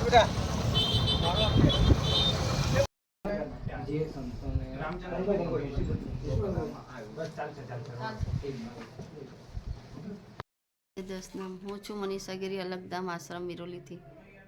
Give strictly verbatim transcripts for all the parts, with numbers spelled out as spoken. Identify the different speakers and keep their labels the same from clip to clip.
Speaker 1: દસનામ હું છું મનીષા ગીરી, અલગધામ આશ્રમ મિરોલીથી.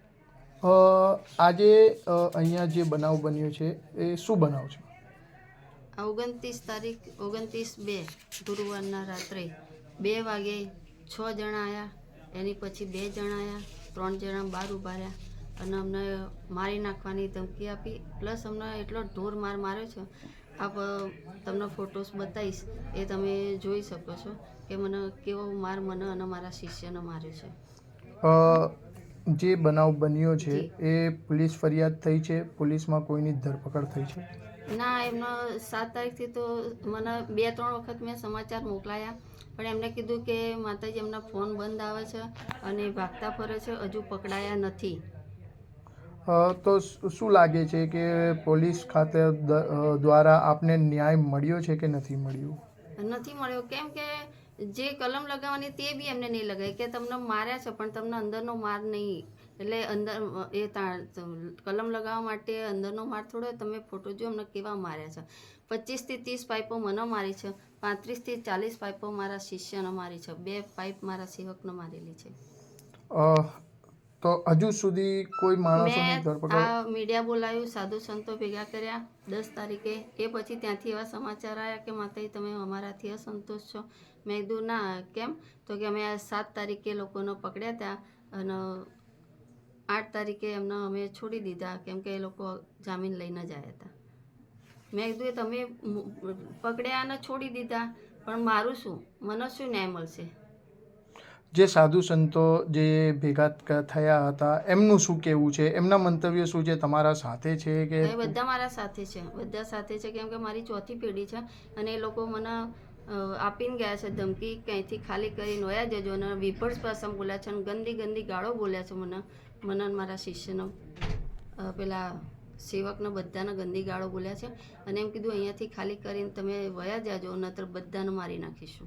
Speaker 2: આજે અહીંયા જે બનાવ બન્યો છે એ શું બનાવ છે?
Speaker 1: ઓગણત્રીસ તારીખ ઓગણત્રીસ બે ગુરુવારના રાત્રે બે વાગે છ જણા આવ્યા. એની પછી બે જણા આવ્યા, ત્રણ જણા બહાર ઊભા રહ્યા અને અમને મારી નાખવાની ધમકી આપી. પ્લસ અમને એટલો ઢોર માર માર્યો છે. આપ તમને ફોટોસ બતાવીશ, એ તમે જોઈ શકો છો કે મને કેવો માર મને અને મારા શિષ્યને માર્યો છે.
Speaker 2: જે બનાવ બન્યો છે એ પોલીસ ફરિયાદ થઈ છે? પોલીસમાં કોઈની ધરપકડ થઈ છે?
Speaker 1: ના, એમનો સાત તારીખથી તો મને બે ત્રણ વખત મેં સમાચાર મોકલાયા, પણ એમને કીધું કે માતાજી એમના ફોન બંધ આવે છે અને ભાગતા ફરે છે, હજુ પકડાયા નથી.
Speaker 2: તો શું લાગે છે કે પોલીસ ખાતે દ્વારા આપને ન્યાય મળ્યો છે કે નથી મળ્યો?
Speaker 1: નથી મળ્યો, કેમ કે જે કલમ લગાવવાની તે બી એમને નહીં લગાવી કે તમને માર્યા છે પણ તમને અંદરનો માર નહીં. એટલે અંદર એ કલમ લગાવવા માટે અંદરનો માર થોડો. તમે ફોટો જો અમને કેવા માર્યા છે. પચીસથી ત્રીસ પાઇપો મને મારી છે, પાંત્રીસથી ચાલીસ પાઇપો મારા શિષ્યને મારી છે, બે પાઇપ મારા સેવકને મારેલી છે.
Speaker 2: તો હજુ સુધી કોઈ માણસોની ધરપકડ?
Speaker 1: આ મીડિયા બોલાવ્યું, સાધુ સંતો ભેગા કર્યા દસ તારીખે. એ પછી ત્યાંથી એવા સમાચાર આવ્યા કે માતાજી તમે અમારાથી અસંતોષ છો. મેં કીધું ના, કેમ? તો કે અમે આ સાત તારીખે લોકોને પકડ્યા હતા અને આઠ તારીખે એમને અમે છોડી દીધા કેમ કે એ લોકો જામીન લઈને જ આવ્યા હતા. મેં કીધું તમે પકડ્યા અને છોડી દીધા, પણ મારું શું? મને શું ન્યાય મળશે?
Speaker 2: જે સાધુ સંતો જે ભેગા થયા હતા એમનું શું કહેવું છે? એમના મંતવ્ય શું છે? તમારા સાથે છે કે?
Speaker 1: બધા મારા સાથે છે, બધા સાથે છે, કેમ કે મારી ચોથી પેઢી છે અને એ લોકો મને આપીને ગયા છે ધમકી, ક્યાંયથી ખાલી કરીને વયા જજો. અને વિભત્સ ભાષામાં બોલ્યા છે અને ગંદી ગંદી ગાળો બોલ્યા છે મને મને મારા શિષ્યનો પેલા સેવકને બધાને ગંદી ગાળો બોલ્યા છે અને એમ કીધું અહીંયાથી ખાલી કરીને તમે વયા જાજો નહીતર બધાને મારી નાખીશું.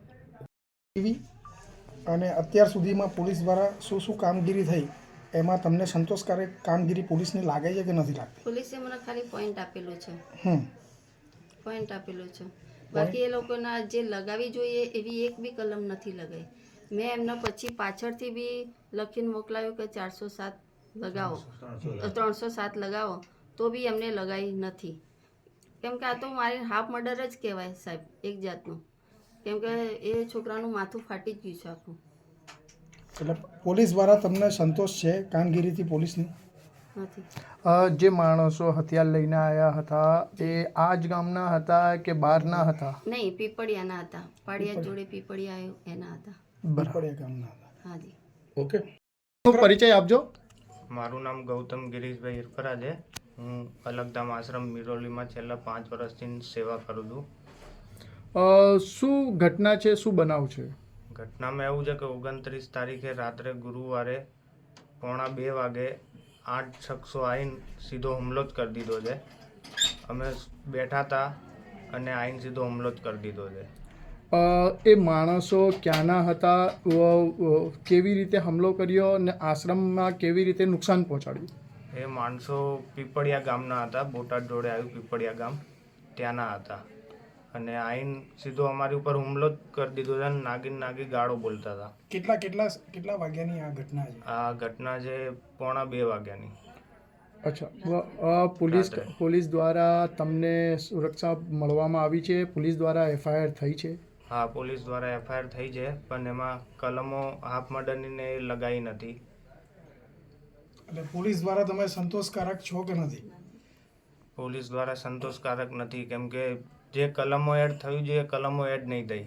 Speaker 3: અને અત્યાર સુધીમાં પોલીસ દ્વારા શું શું કામગીરી થઈ એમાં તમને સંતોષકારક કામગીરી પોલીસને લાગે છે કે નથી લાગતી?
Speaker 1: પોલીસે મને ખાલી પોઈન્ટ આપેલું છે,
Speaker 3: હમ
Speaker 1: પોઈન્ટ આપેલું છે. બાકી એ લોકોના જે લગાવી જોઈએ એવી એક બી કલમ નથી લગાવી. મેં એમના પછી પાછળથી બી લખીને મોકલાયું કે ચારસો સાત લગાવો, ત્રણસો સાત લગાવો, તો બી એમને લગાવી નથી. કેમ કે આ તો મારી હાફ મર્ડર જ કહેવાય સાહેબ, એક જાતનું. કેમ કે એ છોકરાનું માથું ફાટી જ ગયું છે આખું.
Speaker 3: એટલે પોલીસ દ્વારા તમને સંતોષ છે કામગીરીથી પોલીસની?
Speaker 1: નથી.
Speaker 2: જે માણસો હથિયાર લઈને આવ્યા હતા એ આ જ ગામના હતા કે બહારના હતા?
Speaker 1: નહીં, પીપળિયાના હતા. પાડિયા જોડે પીપળિયા આવ્યું એના હતા.
Speaker 3: પીપળિયા ગામના હતા.
Speaker 1: હાજી.
Speaker 3: ઓકે,
Speaker 2: પરિચય આપજો.
Speaker 4: મારું નામ ગૌતમ ગિરીશભાઈ હિરપરા છે. હું અલગધામ આશ્રમ મિરોલીમાં છેલ્લા પાંચ વર્ષથી સેવા કરું છું.
Speaker 2: શું ઘટના છે, શું બનાવ છે?
Speaker 4: ઘટનામાં એવું છે કે ઓગણત્રીસ તારીખે રાત્રે ગુરુવારે પોણા બે વાગે આઠ શખ્સો આવીને સીધો હુમલો જ કરી દીધો છે. અમે બેઠા હતા અને આવીને સીધો હુમલો જ કરી દીધો છે.
Speaker 2: એ માણસો ક્યાંના હતા? કેવી રીતે હુમલો કર્યો અને આશ્રમમાં કેવી રીતે નુકસાન પહોંચાડ્યું?
Speaker 4: એ માણસો પીપળિયા ગામના હતા, બોટાદ જોડે આવ્યું પીપળિયા ગામ, ત્યાંના હતા. અને આઈન સીધો અમારી ઉપર હુમલો જ કરી દીધો છે અને નાગીન નાગી ગાળો બોલતા હતા.
Speaker 3: કેટલા કેટલા કેટલા વાગ્યાની આ ઘટના છે?
Speaker 4: આ ઘટના છે પોણા બે વાગ્યાની.
Speaker 2: અચ્છા, પોલીસ પોલીસ દ્વારા તમને સુરક્ષા મળવામાં આવી છે? પોલીસ દ્વારા એફઆઈઆર થઈ છે?
Speaker 4: હા, પોલીસ દ્વારા એફઆઈઆર થઈ છે, પણ એમાં કલમો હાફ મર્ડરની લગાવી નથી.
Speaker 3: એટલે પોલીસ દ્વારા તમે સંતોષકારક છો કે નથી?
Speaker 4: પોલીસ દ્વારા સંતોષકારક નથી, કેમ કે જે કલમો એડ થયું છે એ કલમો એડ નહીં થઈ.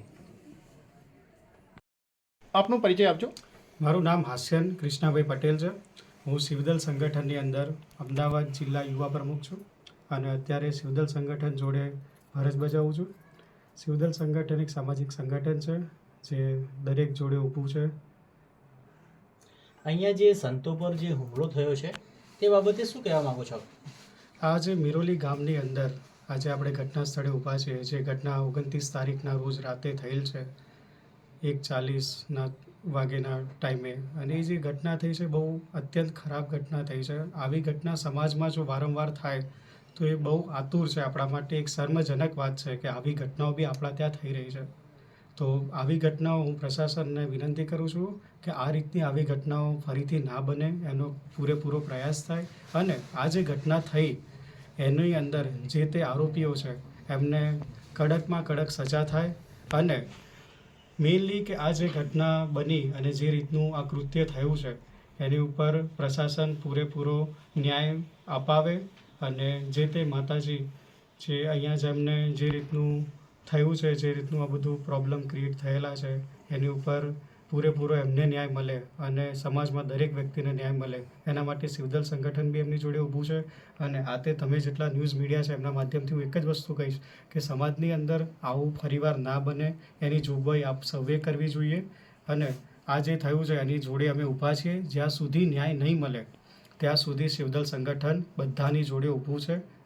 Speaker 2: આપનો પરિચય આપજો.
Speaker 5: મારું નામ હાસ્યન કૃષ્ણાભાઈ પટેલ છે. હું શિવદલ સંગઠનની અંદર અમદાવાદ જિલ્લા યુવા પ્રમુખ છું અને અત્યારે શિવદલ સંગઠન જોડે ફરજ બજાવું છું. શિવદલ સંગઠન એક સામાજિક સંગઠન છે જે દરેક જોડે ઊભું છે.
Speaker 6: અહીંયા જે સંતો પર જે હુમલો થયો છે તે બાબતે શું કહેવા માગો છો?
Speaker 5: આ જે મિરોલી ગામની અંદર આજે આપણે ઘટના સ્થળે ઊભા છે, જે ઘટના ઓગણત્રીસ તારીખના રોજ રાતે થયેલ છે એક ચાલીસના વાગ્યાના ટાઈમે, અને એ જે ઘટના થઈ છે બહુ અત્યંત ખરાબ ઘટના થઈ છે. આવી ઘટના સમાજમાં જો વારંવાર થાય તો એ બહુ આતુર છે આપણા માટે, એક શર્મજનક વાત છે કે આવી ઘટનાઓ બી આપણા ત્યાં થઈ રહી છે. તો આવી ઘટનાઓ હું પ્રશાસનને વિનંતી કરું છું કે આ રીતની આવી ઘટનાઓ ફરીથી ના બને, એનો પૂરેપૂરો પ્રયાસ થાય, અને આ જે ઘટના થઈ એની અંદર જે તે આરોપીઓ છે એમને કડકમાં કડક સજા થાય, અને મેઇનલી કે આ જે ઘટના બની અને જે રીતનું આ કૃત્ય થયું છે એની ઉપર પ્રશાસન પૂરેપૂરો ન્યાય અપાવે, અને જે તે માતાજી જે અહીંયા જેમને જે રીતનું થયું છે, જે રીતનું આ બધું પ્રોબ્લેમ ક્રિએટ થયેલા છે એની ઉપર પૂરેપૂરો એમને ન્યાય મળે અને સમાજમાં દરેક વ્યક્તિને ન્યાય મળે, એના માટે શિવદલ સંગઠન બી એમની જોડે ઊભું છે. અને આ તે તમે જેટલા ન્યૂઝ મીડિયા છે એમના માધ્યમથી હું એક જ વસ્તુ કહીશ કે સમાજની અંદર આવું ફરીવાર ના બને એની જોગવાઈ આપ સૌએ કરવી જોઈએ, અને આ જે થયું છે એની જોડે અમે ઊભા છીએ. જ્યાં સુધી ન્યાય નહીં મળે ત્યાં સુધી શિવદલ સંગઠન બધાની જોડે ઊભું છે.